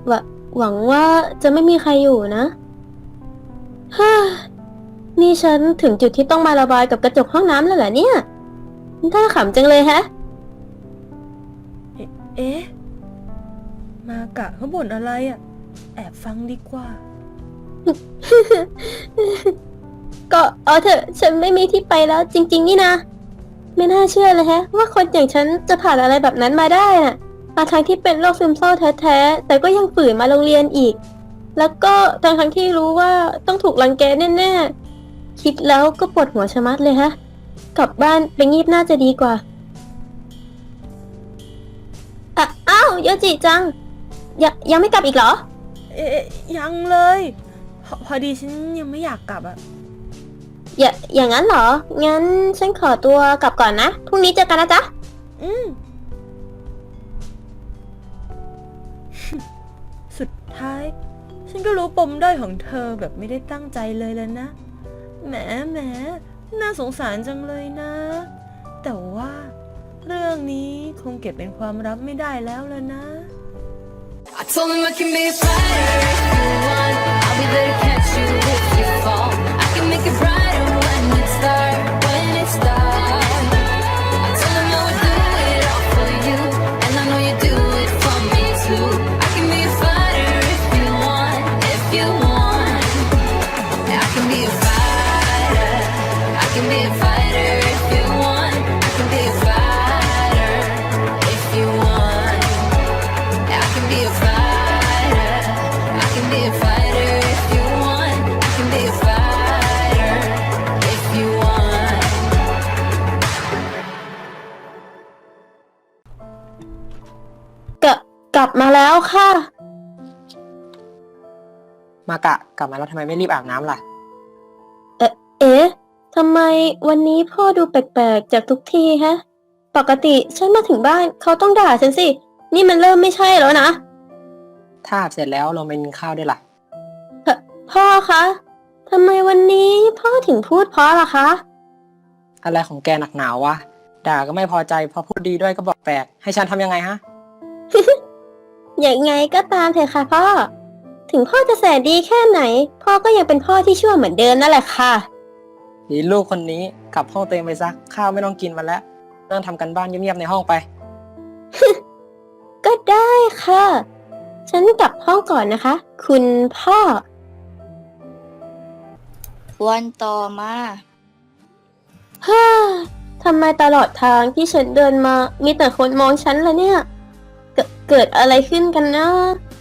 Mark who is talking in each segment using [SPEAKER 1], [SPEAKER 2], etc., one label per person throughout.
[SPEAKER 1] หวหวังว่าจะไม่มีใครอยู่นะฮ่านี่ฉันถึงจุดที่ต้องมาระบายกับกระจกห้องน้ำแล้วเหรอเนี่ยน่าขำจังเลยฮะ
[SPEAKER 2] เอ๊ะมากะเขาบ่นอะไรอ่ะแอบฟังดีกว่า
[SPEAKER 1] ก็เอาเถอะฉันไม่มีที่ไปแล้วจริงๆนี่นะไม่น่าเชื่อเลยฮะว่าคนอย่างฉันจะผ่านอะไรแบบนั้นมาได้น่ะทั้งที่เป็นโรคซึมเศร้าแท้ๆแต่ก็ยังฝืนมาโรงเรียนอีกแล้วก็ทั้งที่รู้ว่าต้องถูกรังแกแน่ๆคิดแล้วก็ปวดหัวชะมัดเลยฮะกลับบ้านไปงีบน่าจะดีกว่าอ้าวโยจิจังยังไม่กลับอีกเหรอ
[SPEAKER 2] เอ๊ะยังเลยพอดีฉันยังไม่อยากกลับอ่ะ
[SPEAKER 1] อย่างนั้นเหรองั้นฉันขอตัวกลับก่อนนะพรุ่งนี้เจอกันนะจ๊ะ
[SPEAKER 2] สุดท้ายฉันก็รู้ปมด้อยของเธอแบบไม่ได้ตั้งใจเลยแล้วนะแหมน่าสงสารจังเลยนะ แต่ว่าเรื่องนี้คงเก็บเป็นความลับไม่ได้แล้วล่ะนะ
[SPEAKER 3] I told him I can be a fighter if you want. I'll be there to catch you if you fall. I can make it brighter when it's dark, when it's dark. I told him I would do it all for you, and I know you do it for me too. I can be a fighter if you want, if you want. I can be a fighter. I can be a fighter if you want. I can be a fighter if you want. I can be a fighter. I can be a fighter if you want. I can be a fighter if you want.
[SPEAKER 1] กลับมาแล้วค่ะ
[SPEAKER 4] มากะกลับมาแล้วทำไมไม่รีบอาบน้ำล่ะ
[SPEAKER 1] เอ๊ะทำไมวันนี้พ่อดูแปลกๆจากทุกทีฮะปกติฉันมาถึงบ้านเขาต้องด่าฉันสินี่มันเริ่มไม่ใช่แล้วนะ
[SPEAKER 4] ถ้าอาบเสร็จแล้วลงไปกินข้าวด้วยล่ะ
[SPEAKER 1] พ่อคะทำไมวันนี้พ่อถึงพูดเพราะล่ะคะ
[SPEAKER 4] อะไรของแกหนักหนาววะด่าก็ไม่พอใจพอพูดดีด้วยก็บอกแปลกให้ฉันทำยังไงฮะ
[SPEAKER 1] อย่างไงก็ตามเถอะค่ะพ่อถึงพ่อจะแสนดีแค่ไหนพ่อก็ยังเป็นพ่อที่ชั่วเหมือนเดิมนั่นแหละค่ะ
[SPEAKER 4] ดีลูกคนนี้กลับห้องตัวเองไปซะข้าวไม่ต้องกินมันแล้วนั่งทำกันบ้านเงียบๆในห้องไป
[SPEAKER 1] ก็ได้ค่ะฉันกลับห้องก่อนนะคะคุณพ่อ
[SPEAKER 5] วันต่อมา
[SPEAKER 1] ฮ่าทำไมตลอดทางที่ฉันเดินมามีแต่คนมองฉันล่ะเนี่ยเกิดอะไรขึ้นกันนะ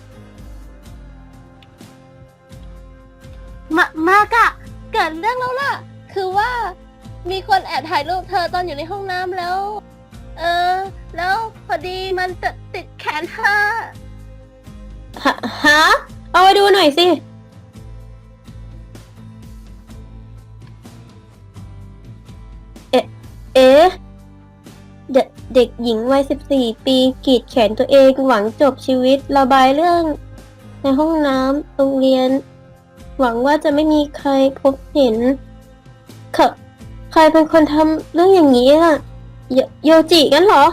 [SPEAKER 1] มากะเกิดเรื่องแล้วล่ะคือว่ามีคนแอบถ่ายรูปเธอตอนอยู่ในห้องน้ำแล้วแล้วพอดีมันติดแขนเธอฮะเอาไปดูหน่อยสิเอ๊ะเด็กหญิงวัย14 ปีกรีดแขนตัวเองหวังจบชีวิตระบายเรื่องในห้องน้ำโรงเรียนหวังว่าจะไม่มีใครพบเห็นใครเป็นคนทำเรื่องอย่างนี้อ่ะโยจิงั้นเหรอ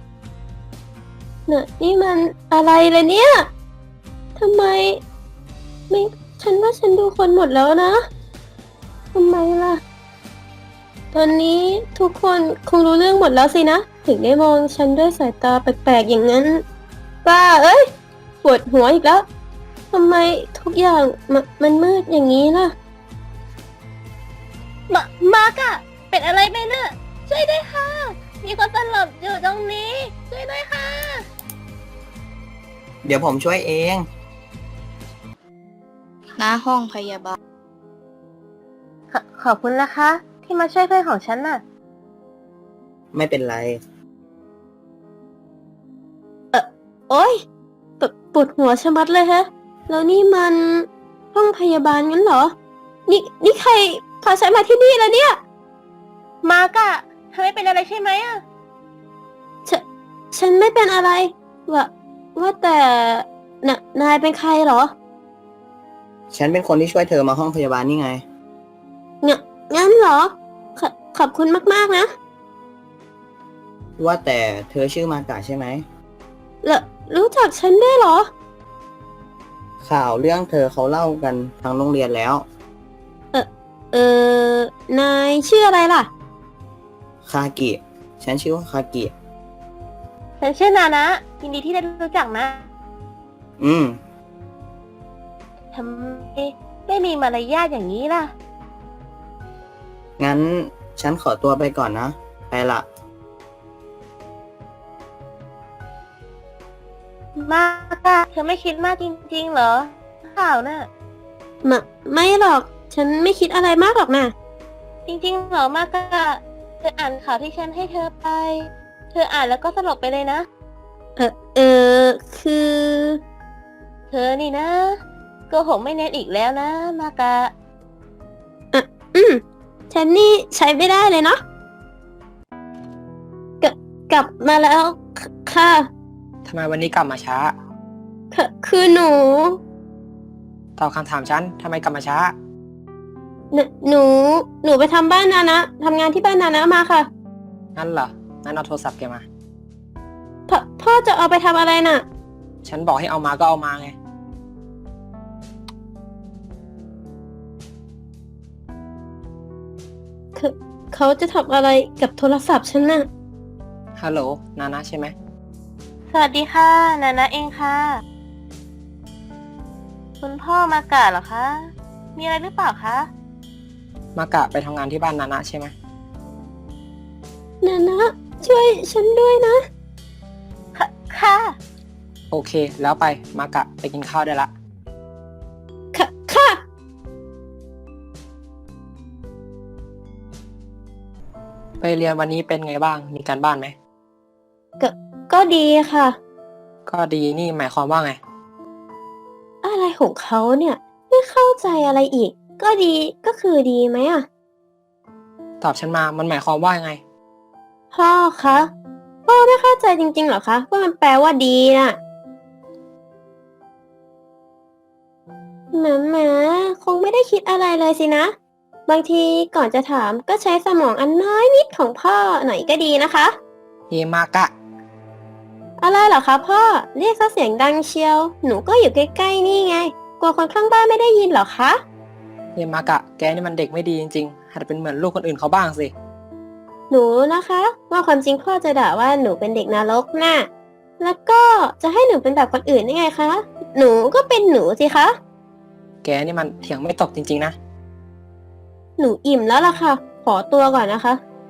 [SPEAKER 1] เนี่ยนี่มันอะไรเลยเนี่ยทำไมไม่ฉันว่าฉันดูคนหมดแล้วนะทำไมล่ะตอนนี้ทุกคนคงรู้เรื่องหมดแล้วสินะถึงได้มองฉันด้วยสายตาแปลกๆอย่างนั้นป้าเอ้ยปวดหัวอีกแล้วทำไมทุกอย่างมันมืดอย่างนี้ล่ะมากะเป็นอะไรไปเนี่ยช่วยด้วยค่ะมีคนสลบอยู่ตรงนี้ช่วยด้วยค่ะ
[SPEAKER 6] เดี๋ยวผมช่วยเอง
[SPEAKER 5] หน้าห้องพยาบาล
[SPEAKER 1] ขอบคุณนะคะที่มาช่วยเพื่อนของฉันน่ะ
[SPEAKER 6] ไม่เป็นไร
[SPEAKER 1] โอ๊ยปวดหัวชะมัดเลยฮะแล้วนี่มันห้องพยาบาลงั้นเหรอนี่ใครพาฉันมาที่นี่แล้วเนี่ยมากะเธอไม่เป็นอะไรใช่ไหมอ่ะฉันไม่เป็นอะไรว่าแต่นายเป็นใครเหรอ
[SPEAKER 6] ฉันเป็นคนที่ช่วยเธอมาห้องพยาบาลนี่ไง
[SPEAKER 1] งั้นเหรอขอบคุณมากๆนะ
[SPEAKER 6] ว่าแต่เธอชื่อมากะใช่ไหม
[SPEAKER 1] รู้จักฉันด้วยเหรอ
[SPEAKER 6] ข่าวเรื่องเธอเขาเล่ากันทางโรงเรียนแล้ว
[SPEAKER 1] เออนายชื่ออะไรล่ะ
[SPEAKER 6] คากิ ฉันชื่อว่าคากิ
[SPEAKER 7] ฉันชื่อนานะยินดีที่ได้รู้จักนะ
[SPEAKER 6] อืม
[SPEAKER 7] ทำไมไม่มีมารยาทอย่างนี้ล่ะ
[SPEAKER 6] งั้นฉันขอตัวไปก่อนนะ ไปละ
[SPEAKER 7] มากอะเธอไม่คิดมากจริงๆเหรอ ข่าวน่ะ
[SPEAKER 1] ไม่หรอก ฉันไม่คิดอะไรมากหรอกนะ
[SPEAKER 7] จริงๆเหรอมากอะเธออ่านข่าวที่ฉันให้เธอไป เธออ่านแล้วก็สลบไปเลยนะ
[SPEAKER 1] คือ
[SPEAKER 7] เธอนี่นะโกหกไม่เน้นอีกแล้วนะ มากะ
[SPEAKER 1] ฉันนี่ใช้ไม่ได้เลยเนาะกลับมาแล้ว ค่ะ
[SPEAKER 4] ทำไมวันนี้กลับมาช้า
[SPEAKER 1] คือหนู
[SPEAKER 4] ตอบคำถามฉันทำไมกลับมาช้า
[SPEAKER 1] หนูไปทำบ้านนานะทำงานที่บ้านนานะมาค่ะ
[SPEAKER 4] งั้นเหรอ งั้นเอาโทรศัพท์แกมา
[SPEAKER 1] พ่อจะเอาไปทำอะไรน่ะ
[SPEAKER 4] ฉันบอกให้เอามาก็เอามาไง
[SPEAKER 1] เขาจะทำอะไรกับโทรศัพท์ฉันน่ะ
[SPEAKER 4] ฮัลโหล นานะใช่ไหม
[SPEAKER 7] สวัสดีค่ะ นานะเองค่ะ คุณพ่อมากะเหรอคะ มีอะไรหรือเปล่าคะ
[SPEAKER 4] มากะไปทำงานที่บ้านนานะใช่ไหม
[SPEAKER 1] นานะช่วยฉันด้วยนะ
[SPEAKER 7] ค่ะ
[SPEAKER 4] โอเค แล้วไป มากะไปกินข้าวได้ละ
[SPEAKER 1] ค่ะ
[SPEAKER 4] ไปเรียนวันนี้เป็นไงบ้าง มีการบ้านไหม
[SPEAKER 1] ก็ดีค่ะ
[SPEAKER 4] ก็ดีนี่หมายความว่าไง
[SPEAKER 1] อะไรของเขาเนี่ย ไม่เข้าใจอะไรอีก ก็ดีก็คือดีไหมอ่ะ
[SPEAKER 4] ตอบฉันมา มันหมายความว่ายังไง
[SPEAKER 1] พ่อคะพ่อไม่เข้าใจจริงๆเหรอคะว่ามันแปลว่าดีน่ะแหมคงไม่ได้คิดอะไรเลยสินะ บางทีก่อนจะถามก็ใช้สมองอันน้อยนิดของพ่อหน่อยก็ดีนะคะ
[SPEAKER 4] เฮมากะ
[SPEAKER 1] อะไรเหรอคะพ่อเรียกซะเสียงดังเชียว หนูก็อยู่ใกล้ๆนี่ไง กลัวคนข้างบ้านไม่ได้ยินเหรอคะ
[SPEAKER 4] เฮมากะ แกนี่มันเด็กไม่ดีจริงๆ หัดเป็นเหมือนลูกคนอื่นเขาบ้างสิ
[SPEAKER 1] หนูนะคะ ว่าความจริงพ่อจะด่าว่าหนูเป็นเด็กนรกน่ะแล้วก็จะให้หนูเป็นแบบคนอื่นได้ไงคะ หนูก็เป็นหนูสิคะ
[SPEAKER 4] แกนี่มันเถียงไม่ตกจริงๆนะ
[SPEAKER 1] หนูอิ่มแล้วล่ะค่ะ ขอตัวก่อนนะคะ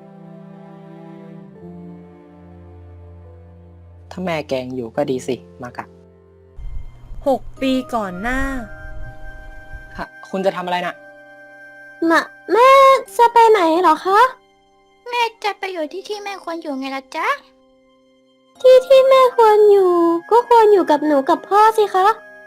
[SPEAKER 4] ถ้าแม่แกยังอยู่ก็ดีสิ มากะ
[SPEAKER 2] 6 ปีก่อนหน้า
[SPEAKER 4] ฮะ คุณจะทำอะไรน่ะ
[SPEAKER 1] แม่จะไปไหนเหรอคะ
[SPEAKER 5] แม่จะไปอยู่ที่แม่ควรอยู่ไงล่ะจ๊ะ
[SPEAKER 1] ที่แม่ควรอยู่ ก็ควรอยู่กับหนูกับพ่อสิคะ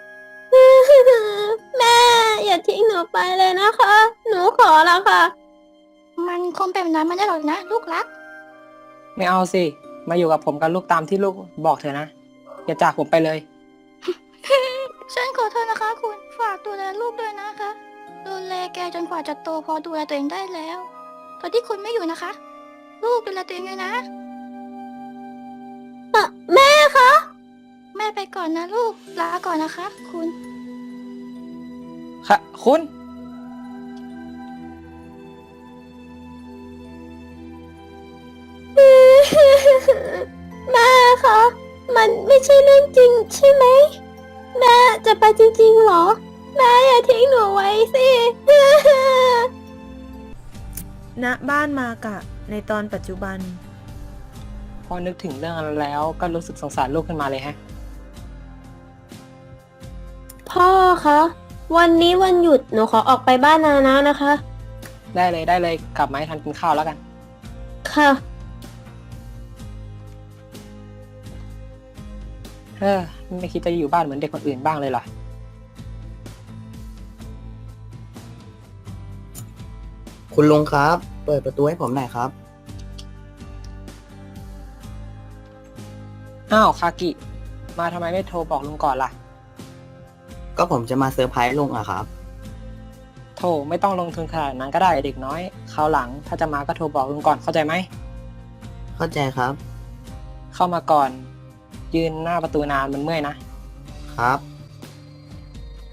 [SPEAKER 1] แม่อย่าทิ้งหนูไปเลยนะคะ หนูขอแล้วค่ะ
[SPEAKER 5] มันคงเป็นแบบนั้นไม่ได้หรอกนะ ลูกรัก
[SPEAKER 4] ไม่เอาสิ มาอยู่กับผมกับลูกตามที่ลูกบอกเถอะนะ อย่าจากผมไปเลย
[SPEAKER 5] ฉันขอโทษนะคะคุณ ฝากดูแลลูกด้วยนะคะ ดูแลแกจนกว่าจะโตพอดูแลตัวเองได้แล้วตอนที่คุณไม่อยู่นะคะ ลูกดูแลตัวเองด้วยนะ
[SPEAKER 1] แม่คะ
[SPEAKER 5] แม่ไปก่อนนะลูก ลาก่อนนะคะ คุณ
[SPEAKER 4] ค่ะ คุณ
[SPEAKER 1] แม่คะ มันไม่ใช่เรื่องจริงใช่ไหม แม่จะไปจริงๆเหรอ แม่อย่าทิ้งหนูไว้สิ
[SPEAKER 2] ณบ้านมากะในตอนปัจจุบัน
[SPEAKER 4] พอนึกถึงเรื่องนั้นแล้วก็รู้สึกสงสารลูกขึ้นมาเลยฮะ
[SPEAKER 1] พ่อคะ วันนี้วันหยุดหนูขอออกไปบ้านนานะนะคะ
[SPEAKER 4] ได้เลย กลับมาให้ทันกินข้าวแล้วกัน
[SPEAKER 1] ค่ะ
[SPEAKER 4] ไม่คิดจะอยู่บ้านเหมือนเด็กคนอื่นบ้างเลยเหรอ
[SPEAKER 6] คุณลุงครับ เปิดประตูให้ผมหน่อยครับ
[SPEAKER 4] อ้าว คากิ มาทำไมไม่โทรบอกลุงก่อนล่ะ
[SPEAKER 6] ก็ผมจะมาเซอร์ไพรส์ลุงอะครับ
[SPEAKER 4] โทรไม่ต้องลงทุนขนาดนั้นก็ได้เด็กน้อย คราวหลังถ้าจะมาก็โทรบอกลุงก่อนเข้าใจไหม
[SPEAKER 6] เข้าใจครับ
[SPEAKER 4] เข้ามาก่อน ยืนหน้าประตูนานมันเมื่อยนะ
[SPEAKER 6] ครับ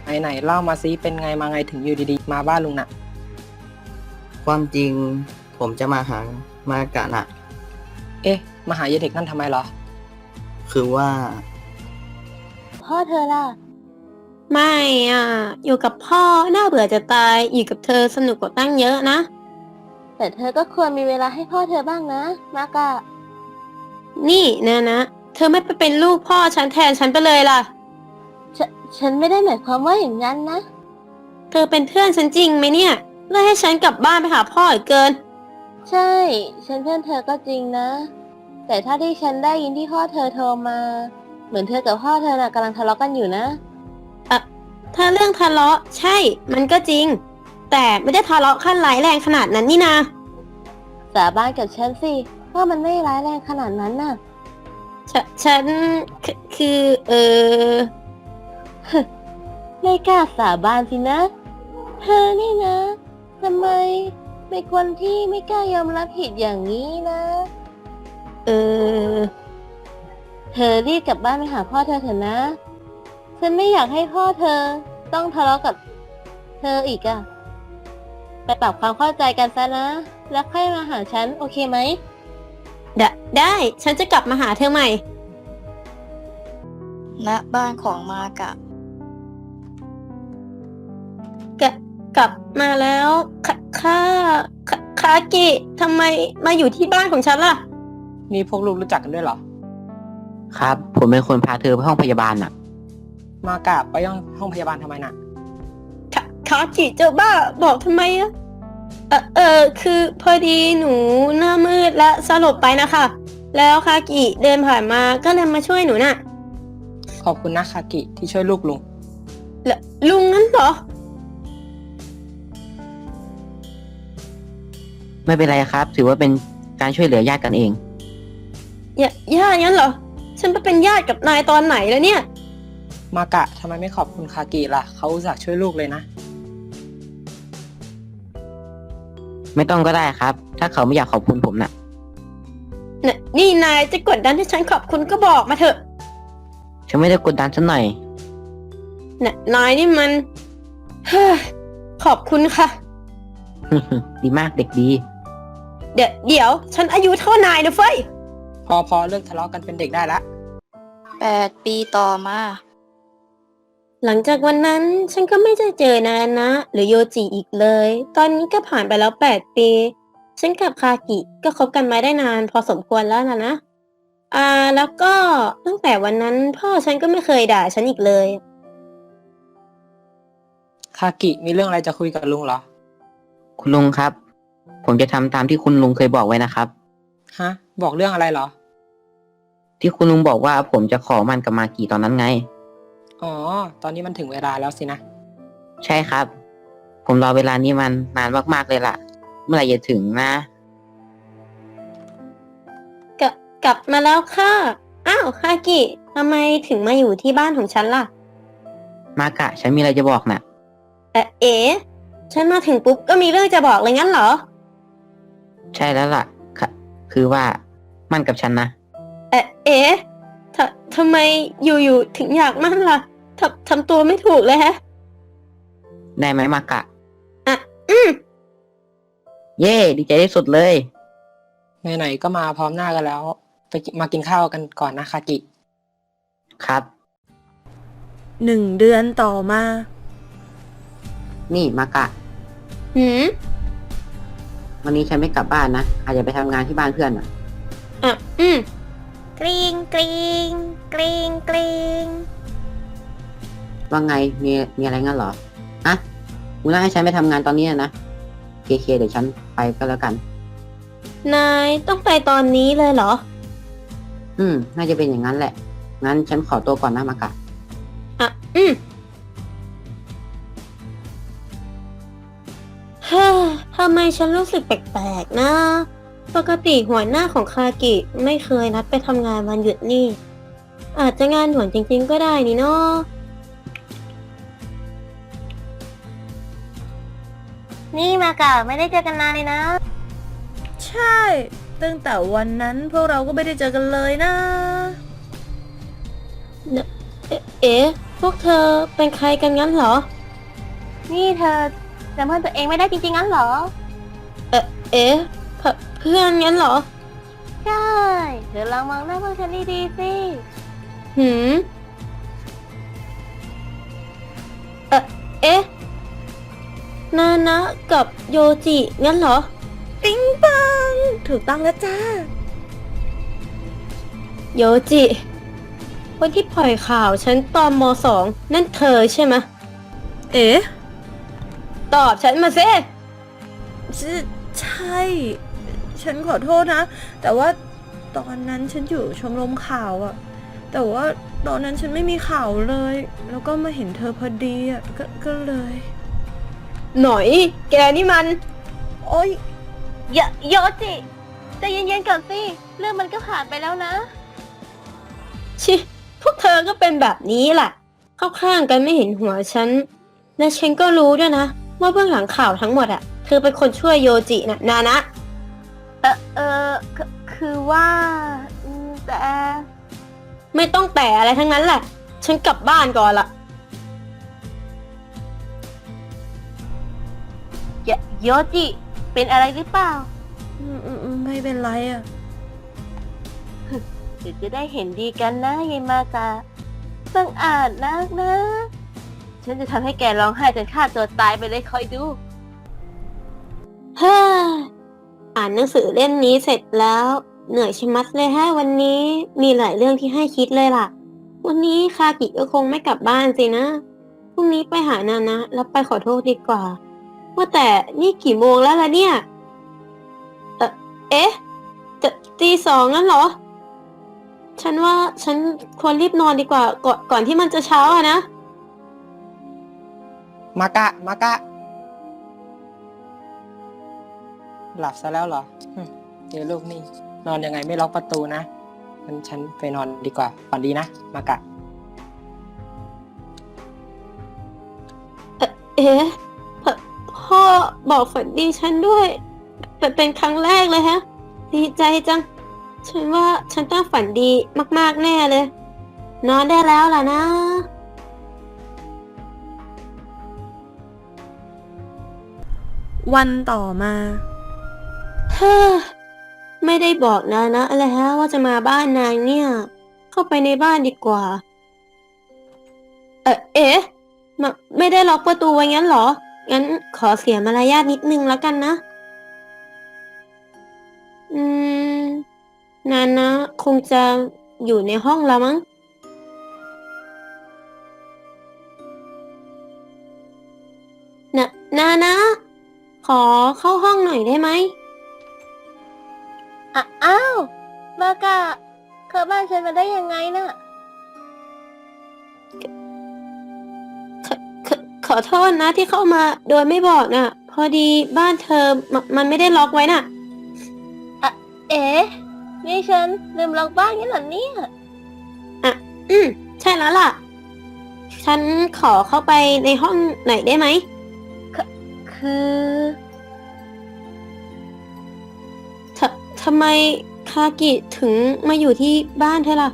[SPEAKER 4] ไหนๆเล่ามาซิเป็นไงมาไงถึงอยู่ดีๆ มาบ้านลุงน่ะ
[SPEAKER 6] ความจริงผมจะมาหามากะน่ะ
[SPEAKER 4] เอ๊ะ มาหายายเด็กนั่นทำไมเหรอ
[SPEAKER 6] คือว่า
[SPEAKER 7] พ่อเธอล่ะ
[SPEAKER 1] ไม่อ่ะ อยู่กับพ่อน่าเบื่อจะตายอยู่กับเธอสนุกกว่าตั้งเยอะนะ
[SPEAKER 7] แต่เธอก็ควรมีเวลาให้พ่อเธอบ้างนะ มากะ
[SPEAKER 1] นี่นะ เธอไม่ไปเป็นลูกพ่อฉันแทนฉันไปเลยล่ะ
[SPEAKER 7] ฉฉันไม่ได้หมายความว่าอย่างนั้นนะ
[SPEAKER 1] เธอเป็นเพื่อนฉันจริงไหมเนี่ยเลิกให้ฉันกลับบ้านไปหาพ่ออีกเกิน
[SPEAKER 7] ใช่ ฉันเพื่อนเธอก็จริงนะ แต่ถ้าที่ฉันได้ยินที่พ่อเธอโทรมา เหมือนเธอกับพ่อเธอน่ะกำลังทะเลาะกันอยู่นะ
[SPEAKER 1] ถ้าเรื่องทะเลาะใช่ มันก็จริง แต่ไม่ได้ทะเลาะขั้นร้ายแรงขนาดนั้นนี่นา
[SPEAKER 7] สาบานกับฉันสิว่ามันไม่ร้ายแรงขนาดนั้นน่ะ
[SPEAKER 1] ฉันคือ
[SPEAKER 7] ไม่กล้าสาบานสินะ เธอนี่นะทำไมเป็นคนที่ไม่กล้ายอมรับผิดอย่างนี้นะ
[SPEAKER 1] เออ
[SPEAKER 7] เธอรีบกลับบ้านไปหาพ่อเธอเถอะนะ ฉันไม่อยากให้พ่อเธอต้องทะเลาะกับเธออีกอะไปปรับความเข้าใจกันซะนะ แล้วค่อยมาหาฉันโอเคไหม
[SPEAKER 1] ได้ ฉันจะกลับมาหาเธอใหม่
[SPEAKER 5] ณบ้านของมากะ
[SPEAKER 1] กลับมาแล้วคากิทำไมมาอยู่ที่บ้านของฉันล่ะ
[SPEAKER 4] นี่พวกลูกรู้จักกันด้วยเหรอ
[SPEAKER 6] ครับ ผมเป็นคนพาเธอไปห้องพยาบาลน่ะ
[SPEAKER 4] มากะไปห้องพยาบาลทำไมน่ะ
[SPEAKER 1] คากิเจ้าบ้าบอกทำไมอะคือพอดีหนูหน้ามืดและสลบไปนะคะ แล้วคากิเดินผ่านมาก็เลยมาช่วยหนูน่ะ
[SPEAKER 4] ขอบคุณนะคากิที่ช่วยลูกลุง
[SPEAKER 1] แล้วลุงงั้นเหรอ
[SPEAKER 6] ไม่เป็นไรครับ ถือว่าเป็นการช่วยเหลือญาติกันเอง
[SPEAKER 1] ญาติงั้นเหรอ ฉันไปเป็นญาติกับนายตอนไหนแล้วเนี่ย
[SPEAKER 4] มากะทำไมไม่ขอบคุณคากิล่ะ เขาอุตส่าห์ช่วยลูกเลยนะ
[SPEAKER 6] ไม่ต้องก็ได้ครับ ถ้าเขาไม่อยากขอบคุณผมน่ะ
[SPEAKER 1] นี่นายจะกดดันให้ฉันขอบคุณก็บอกมาเถอะ
[SPEAKER 6] ฉันไม่ได้กดดันสักหน่อย
[SPEAKER 1] นายนี่มัน เฮ้ยขอบคุณค่ะ
[SPEAKER 6] ดีมากเด็กดี
[SPEAKER 1] เดี๋ยวฉันอายุเท่านายนะเฟ้ย
[SPEAKER 4] พอเลิกทะเลาะกันเป็นเด็กได้ละ
[SPEAKER 5] 8 ปีต่อมา
[SPEAKER 1] หลังจากวันนั้นฉันก็ไม่ได้เจอนายนะ หรือโยจิอีกเลย ตอนนี้ก็ผ่านไปแล้ว8 ปี ฉันกับคากิก็คบกันมาได้นานพอสมควรแล้วนะ แล้วก็ตั้งแต่วันนั้นพ่อฉันก็ไม่เคยด่าฉันอีกเลย
[SPEAKER 4] คากิมีเรื่องอะไรจะคุยกับลุงเหรอ
[SPEAKER 6] คุณลุงครับ ผมจะทำตามที่คุณลุงเคยบอกไว้นะครับ
[SPEAKER 4] ฮะ บอกเรื่องอะไรเหรอ
[SPEAKER 6] ที่คุณลุงบอกว่าผมจะขอมันกับมากี่ตอนนั้นไง
[SPEAKER 4] อ๋อ ตอนนี้มันถึงเวลาแล้วสินะ
[SPEAKER 6] ใช่ครับ ผมรอเวลานี้มันนานมากๆเลยล่ะ เมื่อไหร่จะถึงนะ
[SPEAKER 1] กลับมาแล้วค่ะ อ้าวคากิทำไมถึงมาอยู่ที่บ้านของฉันล่ะ
[SPEAKER 6] มากะ ฉันมีอะไรจะบอกน่ะ
[SPEAKER 1] เอ๋ฉันมาถึงปุ๊บก็มีเรื่องจะบอกเลยงั้นเหรอ
[SPEAKER 6] ใช่แล้วล่ะค่ะคือว่ามั่นกับฉันนะ
[SPEAKER 1] เอ๋ทำไมอยู่ถึงอยากมั่นล่ะทำตัวไม่ถูกเลยฮะ
[SPEAKER 6] ได้ไหมมากะ
[SPEAKER 1] อืม
[SPEAKER 6] เย่ดีใจที่สุดเลย
[SPEAKER 4] ไหนๆก็มาพร้อมหน้ากันแล้ว มากินข้าวกันก่อนนะคากิ
[SPEAKER 6] ครับ
[SPEAKER 2] 1 เดือนต่อมา
[SPEAKER 6] นี่มากะ
[SPEAKER 1] หืม
[SPEAKER 6] วันนี้ฉันไม่กลับบ้านนะ อาจจะไปทำงานที่บ้านเพื่อนอ่ะ
[SPEAKER 1] อืม
[SPEAKER 2] กริงกริงกริงกริง
[SPEAKER 6] ว่าไง มีอะไรงั้นเหรออะคุณน่าให้ฉันไปทำงานตอนนี้นะเคเดี๋ยวฉันไปก็แล้วกัน
[SPEAKER 1] นายต้องไปตอนนี้เลยเหรอ
[SPEAKER 6] น่าจะเป็นอย่างนั้นแหละ งั้นฉันขอตัวก่อนนะมากะ
[SPEAKER 1] อืมฮ่าทำไมฉันรู้สึกแปลกๆนะ ปกติหัวหน้าของคากิไม่เคยนัดไปทำงานวันหยุดนี่ อาจจะงานด่วนจริงๆก็ได้นี่เนาะ
[SPEAKER 7] นี่มากะไม่ได้เจอกันนานเลยนะ
[SPEAKER 2] ใช่ ตั้งแต่วันนั้นพวกเราก็ไม่ได้เจอกันเลยนะ
[SPEAKER 1] เอ๊ะพวกเธอเป็นใครกันงั้นเหรอ
[SPEAKER 7] นี่เธอจำเพื่อนตัวเองไม่ได้จริงๆงั้นเหรอ
[SPEAKER 1] เอ๊ะเพื่อนงั้นเหรอ
[SPEAKER 7] ใช่ เดี๋ยวลองมองหน้าพวกฉันดีๆสิ
[SPEAKER 1] หืม เอ๊ะ นานะกับโยจิงั้นเหรอ
[SPEAKER 2] ปิ๊งปัง ถูกต้องแล้วจ้า
[SPEAKER 1] โยจิคนที่ปล่อยข่าวฉันตอนม.2 นั่นเธอใช่ไหมะ
[SPEAKER 2] เอ๊ะ
[SPEAKER 1] ตอบฉันมาสิ
[SPEAKER 2] ใช่ ฉันขอโทษนะ แต่ว่าตอนนั้นฉันอยู่ชมรมข่าวอะแต่ว่าตอนนั้นฉันไม่มีข่าวเลย แล้วก็มาเห็นเธอพอดีอะก็เลย
[SPEAKER 1] หน่อย แกนี่มัน
[SPEAKER 2] โอ๊ย
[SPEAKER 7] โยจิใจเย็นๆก่อนสิ เรื่องมันก็ผ่านไปแล้วนะ
[SPEAKER 1] ชิพวกเธอก็เป็นแบบนี้แหละ เข้าข้างกันไม่เห็นหัวฉัน และฉันก็รู้ด้วยนะ ว่าเบื้องหลังข่าวทั้งหมดอะเธอเป็นคนช่วยโยจินะนานะ
[SPEAKER 7] คือว่าแต่
[SPEAKER 1] ไม่ต้องแต่อะไรทั้งนั้นแหละ ฉันกลับบ้านก่อนละ
[SPEAKER 7] โยจิ เป็นอะไรหรือเปล่า
[SPEAKER 2] ไม่เป็นไรอะ
[SPEAKER 7] เดี๋ยวจะได้เห็นดีกันนะยายมากะบังอาจนักนะ ฉันจะทำให้แกร้องไห้จนฆ่าตัวตายไปเลยคอยดู
[SPEAKER 1] เฮ้ออ่านหนังสือเล่มนี้เสร็จแล้ว เหนื่อยชะมัดเลยฮะวันนี้มีหลายเรื่องที่ให้คิดเลยล่ะ วันนี้คากิก็คงไม่กลับบ้านสินะพรุ่งนี้ไปหานานะแล้วไปขอโทษดีกว่า ว่าแต่นี่กี่โมงแล้วล่ะเนี่ย เอ๊ะจะตีสองงั้นเหรอ ฉันว่าฉันควรรีบนอนดีกว่าก่อนที่มันจะเช้าอะนะ
[SPEAKER 4] มากะ หลับซะแล้วเหรอเดี๋ยวลูกนี่นอนยังไงไม่ล็อกประตูนะงั้นฉันไปนอนดีกว่าฝันดีนะ มากะ
[SPEAKER 1] เอ๊ะพ่อบอกฝันดีฉันด้วยเป็นครั้งแรกเลยฮะ ดีใจจัง ฉันว่าฉันต้องฝันดีมากๆแน่เลย นอนได้แล้วล่ะนะ
[SPEAKER 2] วันต่อมา
[SPEAKER 1] เฮ้อไม่ได้บอกนะอะไรฮะว่าจะมาบ้านนางเนี่ย เข้าไปในบ้านดีกว่า เอ๊ะไม่ได้ล็อกประตูไว้งั้นเหรอ งั้นขอเสียมารยาทนิดนึงแล้วกันนะ นานะคงจะอยู่ในห้องแล้วมั้งนานะขอเข้าห้องหน่อยได้ไหม
[SPEAKER 7] อ้าว มากะเข้าบ้านฉันมาได้ยังไงน่ะ
[SPEAKER 1] ขอโทษนะที่เข้ามาโดยไม่บอกน่ะ พอดีบ้านเธอมันไม่ได้ล็อกไว้น่ะ
[SPEAKER 7] เอ๊ะ นี่ฉันลืมล็อกบ้านงี้เหรอเนี่ย
[SPEAKER 1] ใช่แล้วล่ะ ฉันขอเข้าไปในห้องหน่อยได้ไหม
[SPEAKER 7] คือ
[SPEAKER 1] ทำไมคากิถึงมาอยู่ที่บ้านเธอล่ะ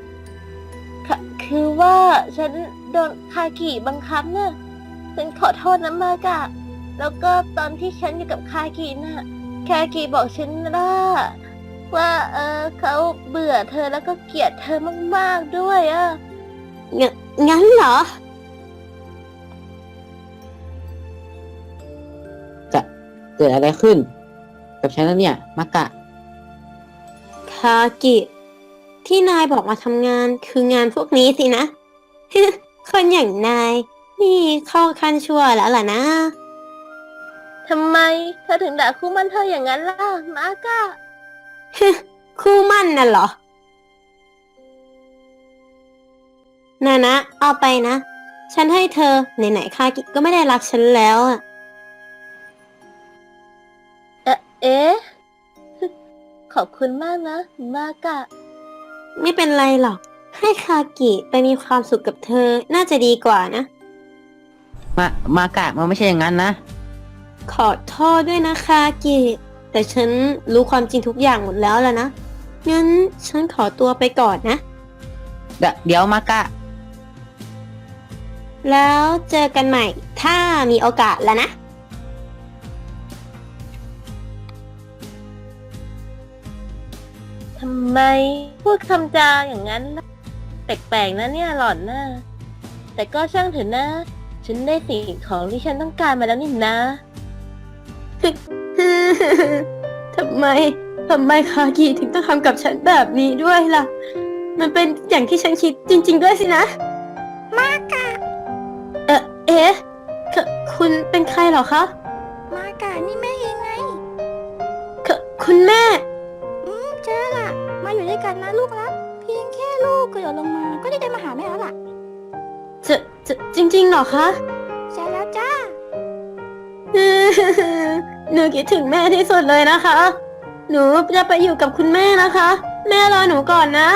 [SPEAKER 7] คือว่าฉันโดนคากิบังคับน่ะ ฉันขอโทษนะมากะ แล้วก็ตอนที่ฉันอยู่กับคากิน่ะ คากิบอกฉันว่าเขาเบื่อเธอแล้วก็เกลียดเธอมากๆด้วยอ่ะ
[SPEAKER 1] งั้นเหรอ
[SPEAKER 6] จะเกิดอะไรขึ้น กับฉันแล้วเนี่ย มากะ
[SPEAKER 1] คากิ ที่นายบอกมาทำงานคืองานพวกนี้สินะ คนอย่างนาย นี่เข้าขั้นชั่วแล้วล่ะนะ
[SPEAKER 7] ทำไมเธอถึงด่าคู่มั่นเธออย่างนั้นล่ะ มากะ
[SPEAKER 1] คู่มั่นน่ะเหรอ นะเอาไปนะ ฉันให้เธอไหนๆคากิก็ไม่ได้รักฉันแล้วอะ
[SPEAKER 7] เอ๊ะ ขอบคุณมากนะ มากะ
[SPEAKER 1] ไม่เป็นไรหรอก ให้คากิไปมีความสุขกับเธอน่าจะดีกว่านะ
[SPEAKER 6] มากะมันไม่ใช่อย่างนั้นนะ
[SPEAKER 1] ขอโทษด้วยนะคากิ แต่ฉันรู้ความจริงทุกอย่างหมดแล้วล่ะนะ งั้นฉันขอตัวไปก่อนนะ
[SPEAKER 6] เดี๋ยวมากะ
[SPEAKER 1] แล้วเจอกันใหม่ถ้ามีโอกาสแล้วนะ
[SPEAKER 7] ทำไมพูดคำจาอย่างนั้นล่ะแปลกๆนะเนี่ยหล่อนนะแต่ก็ช่างเถอะนะ ฉันได้สิ่งของที่ฉันต้องการมาแล้วนี่นะ
[SPEAKER 1] ทำไมคากิถึงต้องทำกับฉันแบบนี้ด้วยล่ะ มันเป็นอย่างที่ฉันคิดจริง ๆ ด้วยสินะ
[SPEAKER 5] มากะ
[SPEAKER 1] เอ๊ะคุณเป็นใครเหรอคะ
[SPEAKER 5] มากะนี่แม่เองไง
[SPEAKER 1] คุณแม่
[SPEAKER 5] เจอละมาอยู่ด้วยกันนะลูกรักเพียงแค่ลูกกระโดดลงมาก็ได้มาหาแม่แล้วล่ะ
[SPEAKER 1] จริง ๆ เหรอคะ
[SPEAKER 5] ใช่แล้วจ้า
[SPEAKER 1] หนูคิดถึงแม่ที่สุดเลยนะคะ หนูจะไปอยู่กับคุณแม่นะคะ แม่รอหนูก่อนนะ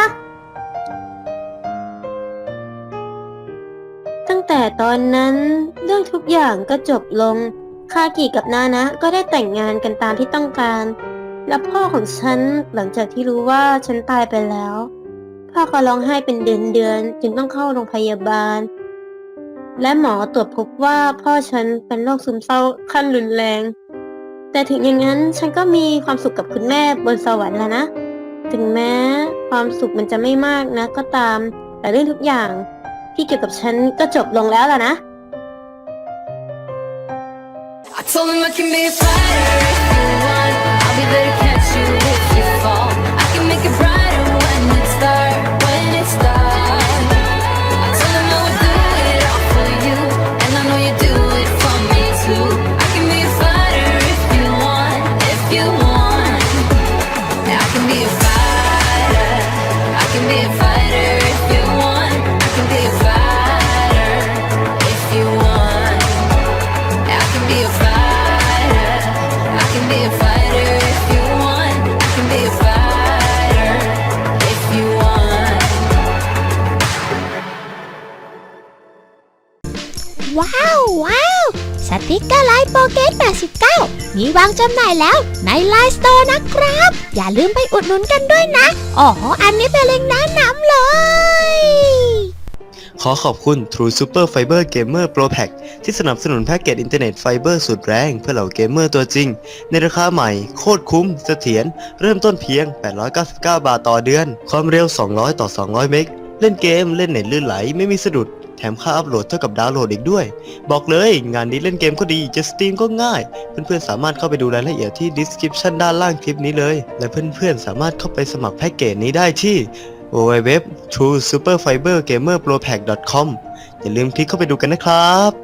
[SPEAKER 1] ตั้งแต่ตอนนั้นเรื่องทุกอย่างก็จบลง คากิกับนานะก็ได้แต่งงานกันตามที่ต้องการ และพ่อของฉันหลังจากที่รู้ว่าฉันตายไปแล้ว พ่อก็ร้องไห้เป็นเดือนจึงต้องเข้าโรงพยาบาล และหมอตรวจพบว่าพ่อฉันเป็นโรคซึมเศร้าขั้นรุนแรง แต่ถึงอย่างนั้นฉันก็มีความสุขกับคุณแม่บนสวรรค์แล้วนะ ถึงแม้ความสุขมันจะไม่มากนะก็ตาม แต่เรื่องทุกอย่างที่เกี่ยวกับฉันก็จบลงแล้วล่ะนะ
[SPEAKER 3] I told him I can be a fighter if you want. I'll be there to catch you if you fall. I can make it brighter when it's dark, when it's dark. I told him I would do it all for you, and I know you do it for me too. I can be a fighter if you want, if you want. I can be a fighter. I can be a fighter if you want. I can be a fighter if you want. I can be a fighter. I can be a fighter if you want. I can be a fighter if you want.
[SPEAKER 8] ว้าว สติกเกอร์ไลน์โปเกต89 มีวางจำหน่ายแล้วในไลน์สโตร์นะครับ อย่าลืมไปอุดหนุนกันด้วยนะ อ๋อ อันนี้เป็นเล็งก์แนะนำเลย
[SPEAKER 9] ขอขอบคุณ True Super Fiber Gamer Pro Pack ที่สนับสนุนแพ็กเกจอินเทอร์เน็ตไฟเบอร์สุดแรงเพื่อเหล่าเกมเมอร์ตัวจริง ในราคาใหม่โคตรคุ้มเสถียรเริ่มต้นเพียง 899 บาทต่อเดือน ความเร็ว 200 ต่อ 200 เมกเล่นเกมเล่นเน็ตลื่นไหลไม่มีสะดุด แถมค่าอัพโหลดเท่ากับดาวน์โหลดอีกด้วย บอกเลยงานนี้เล่นเกมก็ดีจะสตรีมก็ง่าย เพื่อนๆสามารถเข้าไปดูรายละเอียดที่ description ด้านล่างคลิปนี้เลยและเพื่อนๆสามารถเข้าไปสมัครแพ็กเกจนี้ได้ที่ www.truesuperfibergamerpropack.com อย่าลืมคลิกเข้าไปดูกันนะครับ